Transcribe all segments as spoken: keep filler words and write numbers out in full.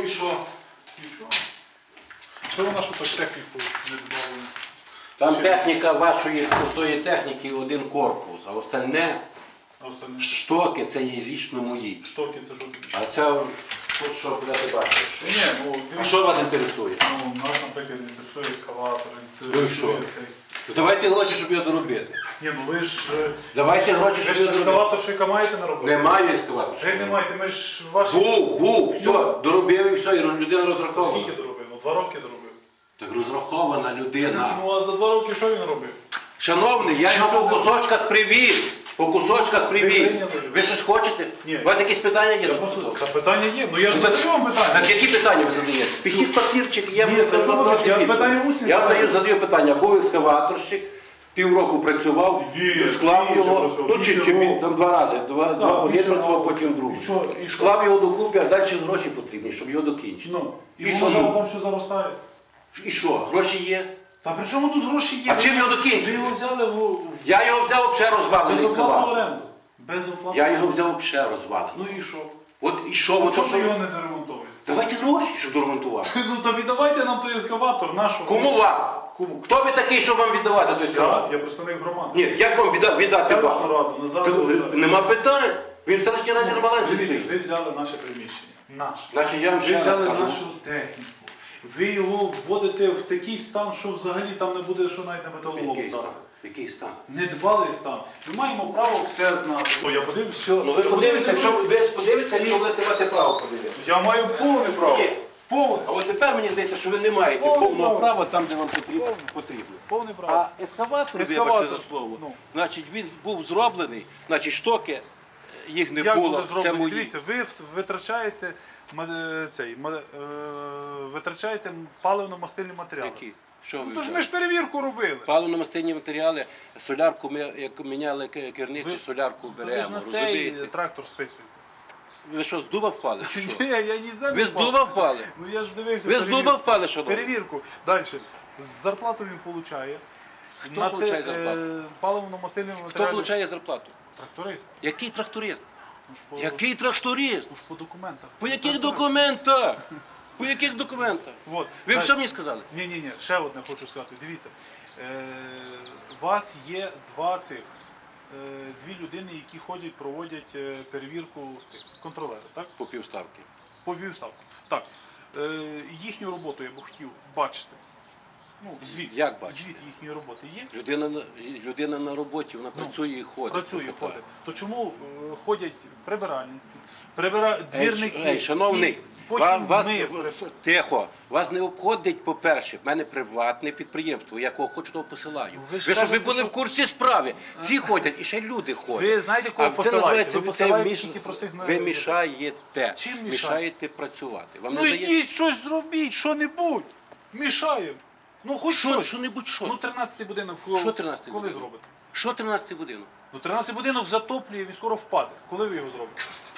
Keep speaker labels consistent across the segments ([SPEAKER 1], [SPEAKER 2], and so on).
[SPEAKER 1] і що? Нічого. Що вона, що так техніку не додавали?
[SPEAKER 2] Там техніка вашої крутої техніки один корпус, а остальне
[SPEAKER 1] А остальне?
[SPEAKER 2] штоки це є лічно мої.
[SPEAKER 1] Штоки, це що таке?
[SPEAKER 2] А це от що будете бачити.
[SPEAKER 1] Ні, ну,
[SPEAKER 2] А що вас інтересує?
[SPEAKER 1] Ну, нас, наприклад, інтересує ескаватор.
[SPEAKER 2] Ну і що? Давайте гроші, щоб його доробити.
[SPEAKER 1] Ні, ну ви ж...
[SPEAKER 2] Давайте гроші,
[SPEAKER 1] Ви
[SPEAKER 2] щоб
[SPEAKER 1] ж
[SPEAKER 2] його доробити.
[SPEAKER 1] ескаваторщика маєте на роботі?
[SPEAKER 2] Немає ескаватора.
[SPEAKER 1] Як не маєте, ми ж ваші...
[SPEAKER 2] Був, був, все, доробив і все, і людина розрахована.
[SPEAKER 1] Скільки доробив? Ну, два роки доробив.
[SPEAKER 2] Так розрахована людина.
[SPEAKER 1] Ну, а за два роки що він робив?
[SPEAKER 2] Шановний, я його по кусочках привіз. По кусочках привіз. Ви щось хочете?
[SPEAKER 1] Ні.
[SPEAKER 2] У вас якісь питання є?
[SPEAKER 1] Та питання є. Ну я ж задаю вам питання.
[SPEAKER 2] Так які питання ви задаєте? Пишіть папірчик, я
[SPEAKER 1] Ні,
[SPEAKER 2] буду
[SPEAKER 1] та чому
[SPEAKER 2] задавати
[SPEAKER 1] я
[SPEAKER 2] відповідь.
[SPEAKER 1] питання мусив
[SPEAKER 2] Я
[SPEAKER 1] задати.
[SPEAKER 2] даю, задаю питання. Був екскаваторщик, півроку працював,
[SPEAKER 1] Ні,
[SPEAKER 2] склав
[SPEAKER 1] більше
[SPEAKER 2] його,
[SPEAKER 1] працював,
[SPEAKER 2] ну чи,
[SPEAKER 1] більше
[SPEAKER 2] чи
[SPEAKER 1] року.
[SPEAKER 2] там два рази, два, два один
[SPEAKER 1] більше
[SPEAKER 2] працював,
[SPEAKER 1] року.
[SPEAKER 2] потім другий.
[SPEAKER 1] І що? І що?
[SPEAKER 2] Склав його докупи, а далі гроші потрібні, щоб його докінчити.
[SPEAKER 1] Ну, і,
[SPEAKER 2] І
[SPEAKER 1] і
[SPEAKER 2] що
[SPEAKER 1] воно
[SPEAKER 2] ну?
[SPEAKER 1] там все заростає.
[SPEAKER 2] І що, гроші є?
[SPEAKER 1] Та при чому тут гроші є?
[SPEAKER 2] А чим його докінчити?
[SPEAKER 1] Ви його взяли в... в-
[SPEAKER 2] Я його взяв взагалі розвалений
[SPEAKER 1] безоплатну
[SPEAKER 2] екскаватор.
[SPEAKER 1] оренду. Безоплатну.
[SPEAKER 2] Я його взяв взагалі розвалений.
[SPEAKER 1] Ну і що?
[SPEAKER 2] От і що,
[SPEAKER 1] Ну,
[SPEAKER 2] от
[SPEAKER 1] чому
[SPEAKER 2] що?
[SPEAKER 1] ви його не доремонтуєте?
[SPEAKER 2] Давайте гроші, щоб доремонтувати.
[SPEAKER 1] Ну то віддавайте нам той ескаватор, нашого.
[SPEAKER 2] Кому вам?
[SPEAKER 1] Кому?
[SPEAKER 2] Хто ви такий, щоб вам віддавати той
[SPEAKER 1] Я,
[SPEAKER 2] екскаватор?
[SPEAKER 1] я представник громади.
[SPEAKER 2] Ні, як вам відда- віддати
[SPEAKER 1] Селищну
[SPEAKER 2] вам?
[SPEAKER 1] раду, назад.
[SPEAKER 2] Та,
[SPEAKER 1] віддати.
[SPEAKER 2] Нема питань. Він в селищній раді Ромаленці
[SPEAKER 1] Дивіться,
[SPEAKER 2] стоїть.
[SPEAKER 1] ви взяли наше приміщення. Наше.
[SPEAKER 2] Значить, я вам
[SPEAKER 1] Ви
[SPEAKER 2] ще раз
[SPEAKER 1] взяли
[SPEAKER 2] кажу.
[SPEAKER 1] нашу техніку. Ви його вводите в такий стан, що взагалі там не буде, що навіть на металолом
[SPEAKER 2] Який стан?
[SPEAKER 1] здати.
[SPEAKER 2] Який стан?
[SPEAKER 1] Недбалий стан. Ми маємо право все знати. О, я подивився, все.
[SPEAKER 2] Ну ви подивіться, якщо ви подивитеся, якщо будете мати право подивитися.
[SPEAKER 1] Я маю повне право.
[SPEAKER 2] Ні.
[SPEAKER 1] Повне.
[SPEAKER 2] А от тепер мені здається, що ви не маєте
[SPEAKER 1] Повне
[SPEAKER 2] повного
[SPEAKER 1] право.
[SPEAKER 2] права там, де вам потрібно. потрібно.
[SPEAKER 1] Повне право.
[SPEAKER 2] А ескаватор,
[SPEAKER 1] Ескаватор,
[SPEAKER 2] вибачте за слово,
[SPEAKER 1] ну.
[SPEAKER 2] значить він був зроблений, значить штоки, їх не
[SPEAKER 1] Як
[SPEAKER 2] було,
[SPEAKER 1] буде
[SPEAKER 2] це
[SPEAKER 1] зроблено?
[SPEAKER 2] мої.
[SPEAKER 1] Дивіться, ви витрачаєте, ма- цей, ма- е, витрачаєте паливно-мастильні матеріали.
[SPEAKER 2] Які? Що ви?
[SPEAKER 1] Ну, то ж ми ж перевірку робили.
[SPEAKER 2] Паливно-мастильні матеріали, солярку ми, як міняли к- керницю,
[SPEAKER 1] Ви-
[SPEAKER 2] солярку
[SPEAKER 1] Ви ж
[SPEAKER 2] беремо,
[SPEAKER 1] на цей
[SPEAKER 2] розумієте?
[SPEAKER 1] трактор списуєте.
[SPEAKER 2] Ви що, з дуба впали? чи що?
[SPEAKER 1] Ні, я ні за
[SPEAKER 2] Ви з дуба впали?
[SPEAKER 1] Ну я ж дивився.
[SPEAKER 2] Ви з
[SPEAKER 1] перевірку.
[SPEAKER 2] дуба впали, шановні?
[SPEAKER 1] Перевірку. Далі. Зарплату він отримує.
[SPEAKER 2] Хто получає зарплату?
[SPEAKER 1] Паливно-мастильні
[SPEAKER 2] Хто
[SPEAKER 1] матеріали.
[SPEAKER 2] отримує зарплату?
[SPEAKER 1] Тракторист.
[SPEAKER 2] Який тракторист?
[SPEAKER 1] Ну ж по,
[SPEAKER 2] Який тракторист?
[SPEAKER 1] ну ж по документах.
[SPEAKER 2] По яких
[SPEAKER 1] Тракторист.
[SPEAKER 2] документах? По яких документах?
[SPEAKER 1] Вот.
[SPEAKER 2] Ви
[SPEAKER 1] Далі.
[SPEAKER 2] все мені сказали?
[SPEAKER 1] Ні, ні, ні, ще одне хочу сказати. Дивіться, е, у вас є два цих, е, дві людини, які ходять, проводять е, перевірку цих контролери, так?
[SPEAKER 2] По півставки.
[SPEAKER 1] По півставку. Так. Е, їхню роботу я б хотів бачити. Ну, звіт.
[SPEAKER 2] Як бачити?
[SPEAKER 1] Звіт їхньої роботи є.
[SPEAKER 2] Людина, на- людина на роботі, вона
[SPEAKER 1] Ну,
[SPEAKER 2] працює і ходить.
[SPEAKER 1] Працює,
[SPEAKER 2] Слухайте.
[SPEAKER 1] ходить. То чому е, ходять прибиральниці, прибира... двірники?
[SPEAKER 2] Ей, шановний,
[SPEAKER 1] і потім
[SPEAKER 2] ва- вас,
[SPEAKER 1] ми...
[SPEAKER 2] тихо, вас не обходить, по-перше, в мене приватне підприємство, я кого хочу, того посилаю.
[SPEAKER 1] Ну, ви
[SPEAKER 2] ви
[SPEAKER 1] ж
[SPEAKER 2] щоб ви
[SPEAKER 1] кажете,
[SPEAKER 2] були
[SPEAKER 1] що-
[SPEAKER 2] в курсі справи. Ці ходять, і ще люди ходять.
[SPEAKER 1] Ви знаєте, кого
[SPEAKER 2] А це
[SPEAKER 1] посилаєте?
[SPEAKER 2] називається,
[SPEAKER 1] Ви
[SPEAKER 2] це
[SPEAKER 1] посилаєте
[SPEAKER 2] міш-
[SPEAKER 1] тільки простих на-
[SPEAKER 2] ви мішаєте.
[SPEAKER 1] Чим мішаєте?
[SPEAKER 2] Мішаєте працювати. Вам
[SPEAKER 1] Ну
[SPEAKER 2] не здається?
[SPEAKER 1] йдіть, щось зробіть, що-небудь. Мішаємо. Ну хоч
[SPEAKER 2] Що,
[SPEAKER 1] щось.
[SPEAKER 2] що-небудь що?
[SPEAKER 1] Ну тринадцятий будинок коли,
[SPEAKER 2] Що тринадцятий
[SPEAKER 1] коли
[SPEAKER 2] будинок?
[SPEAKER 1] зробите?
[SPEAKER 2] Що тринадцятий будинок?
[SPEAKER 1] Ну тринадцятий будинок затоплює, він скоро впаде. Коли ви його зробите?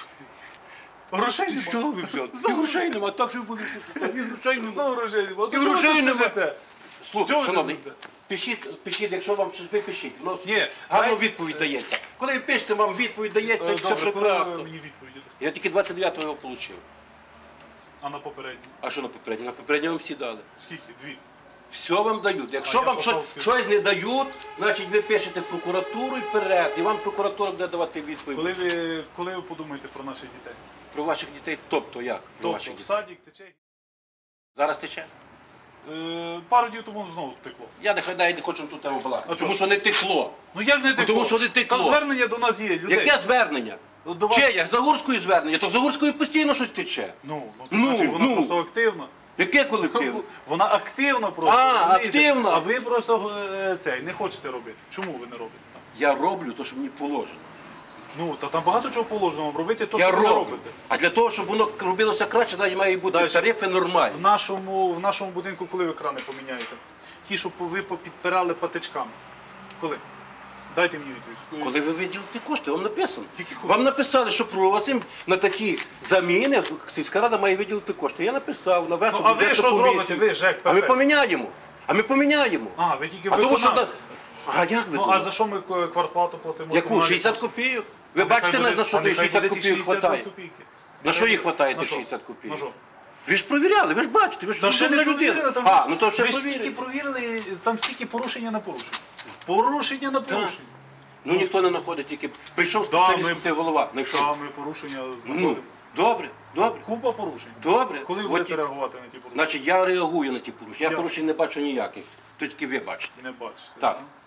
[SPEAKER 1] Грошей нема.
[SPEAKER 2] Що ви взяли? І грошей нема, так що ви будете. І грошей нема.
[SPEAKER 1] Знову грошей нема.
[SPEAKER 2] І
[SPEAKER 1] Ну, чого ви
[SPEAKER 2] грошей
[SPEAKER 1] тут
[SPEAKER 2] нема.
[SPEAKER 1] сидите?
[SPEAKER 2] Слухай,
[SPEAKER 1] Чого ви
[SPEAKER 2] шановний,
[SPEAKER 1] тут сидите?
[SPEAKER 2] пишіть, пишіть, якщо вам щось ви пишіть. Воно
[SPEAKER 1] Ні,
[SPEAKER 2] гарно
[SPEAKER 1] дай-
[SPEAKER 2] відповідь дається. Коли ви пишете, вам відповідь дається,
[SPEAKER 1] Е,
[SPEAKER 2] все
[SPEAKER 1] Добре, коли ви
[SPEAKER 2] прекрасно.
[SPEAKER 1] мені відповіді дасте?
[SPEAKER 2] Я тільки двадцять дев'ятого його отримав.
[SPEAKER 1] А на попередній?
[SPEAKER 2] А що на попередньому? На попередньому вам всі дали.
[SPEAKER 1] Скільки? Дві.
[SPEAKER 2] Все вам дають. Якщо
[SPEAKER 1] А я
[SPEAKER 2] вам
[SPEAKER 1] послав
[SPEAKER 2] щось,
[SPEAKER 1] скільки?
[SPEAKER 2] щось не дають, значить ви пишете в прокуратуру і вперед. І вам прокуратура буде давати відповідь.
[SPEAKER 1] Коли ви, коли ви подумаєте про наших дітей?
[SPEAKER 2] Про ваших дітей, тобто як? Про
[SPEAKER 1] Тобто
[SPEAKER 2] ваших
[SPEAKER 1] в
[SPEAKER 2] дітей.
[SPEAKER 1] садик тече?
[SPEAKER 2] Зараз тече?
[SPEAKER 1] Е, пару днів тому знову текло.
[SPEAKER 2] Я не хай не хочу тут тему балакати.
[SPEAKER 1] А
[SPEAKER 2] Тому
[SPEAKER 1] чого?
[SPEAKER 2] що не текло.
[SPEAKER 1] Ну як не текло?
[SPEAKER 2] тому що не текло.
[SPEAKER 1] Там звернення до нас є, людей.
[SPEAKER 2] Яке звернення?
[SPEAKER 1] До вас-
[SPEAKER 2] Чи як Загурської звернення? То в Загурської постійно щось тече.
[SPEAKER 1] Ну, ну,
[SPEAKER 2] Ну,
[SPEAKER 1] значить, вона
[SPEAKER 2] ну.
[SPEAKER 1] просто активна.
[SPEAKER 2] Яке колективне?
[SPEAKER 1] Вона активна просто.
[SPEAKER 2] А,
[SPEAKER 1] розумієте?
[SPEAKER 2] активна.
[SPEAKER 1] А ви просто е, цей, не хочете робити. Чому ви не робите там?
[SPEAKER 2] Я роблю те, що мені положено.
[SPEAKER 1] Ну, та там багато чого положено вам робити, то
[SPEAKER 2] Я
[SPEAKER 1] що ви не
[SPEAKER 2] роблю.
[SPEAKER 1] робите.
[SPEAKER 2] А для того, щоб воно робилося краще, навіть має бути
[SPEAKER 1] Дальше.
[SPEAKER 2] тарифи нормальні.
[SPEAKER 1] В нашому, в нашому будинку коли ви крани поміняєте? Ті, що ви підпирали патичками. Коли? Дайте мені відповідь.
[SPEAKER 2] Коли ви виділите кошти, вам написано.
[SPEAKER 1] Які кошти?
[SPEAKER 2] Вам написали, що просимо на такі заміни, сільська рада має виділити кошти. Я написав, на
[SPEAKER 1] Ну, а ви що зробите? Ви, ЖЕК,
[SPEAKER 2] А ми
[SPEAKER 1] ПП.
[SPEAKER 2] поміняємо. А ми поміняємо.
[SPEAKER 1] А, ви тільки
[SPEAKER 2] А тому що...
[SPEAKER 1] виконавець.
[SPEAKER 2] А як ви
[SPEAKER 1] Ну, а
[SPEAKER 2] думаєте?
[SPEAKER 1] за що ми к- квартплату платимо?
[SPEAKER 2] Яку?
[SPEAKER 1] комунальні
[SPEAKER 2] шістдесят
[SPEAKER 1] послуги?
[SPEAKER 2] копійок? Ви
[SPEAKER 1] А
[SPEAKER 2] бачите,
[SPEAKER 1] нехай
[SPEAKER 2] на
[SPEAKER 1] буде-
[SPEAKER 2] що
[SPEAKER 1] а
[SPEAKER 2] тих
[SPEAKER 1] нехай
[SPEAKER 2] шістдесят
[SPEAKER 1] буде
[SPEAKER 2] копійок
[SPEAKER 1] шістдесят
[SPEAKER 2] хватає?
[SPEAKER 1] копійки.
[SPEAKER 2] На що їх хватає
[SPEAKER 1] На
[SPEAKER 2] тих
[SPEAKER 1] що?
[SPEAKER 2] шістдесят копійок?
[SPEAKER 1] На що?
[SPEAKER 2] Ви ж провіряли, ви ж бачите, ви ж
[SPEAKER 1] Та ще не
[SPEAKER 2] людина.
[SPEAKER 1] провірили, там,
[SPEAKER 2] А, ну то все
[SPEAKER 1] ви ж стільки
[SPEAKER 2] провірили.
[SPEAKER 1] провірили, там стільки порушення на порушення. Порушення на порушення.
[SPEAKER 2] Ну ніхто не знаходить, тільки прийшов
[SPEAKER 1] Да,
[SPEAKER 2] спеціаліст,
[SPEAKER 1] ми-
[SPEAKER 2] ти голова, знайшов.
[SPEAKER 1] Саме порушення
[SPEAKER 2] Ну,
[SPEAKER 1] знаходимо.
[SPEAKER 2] добре, добре,
[SPEAKER 1] Купа порушень.
[SPEAKER 2] добре.
[SPEAKER 1] Коли ви
[SPEAKER 2] От
[SPEAKER 1] будете
[SPEAKER 2] і-
[SPEAKER 1] реагувати на ті порушення?
[SPEAKER 2] Значить, я реагую на ті порушення. Я
[SPEAKER 1] Я-
[SPEAKER 2] порушень не бачу ніяких. То тільки ви бачите.
[SPEAKER 1] Не бачите.
[SPEAKER 2] Так.
[SPEAKER 1] да?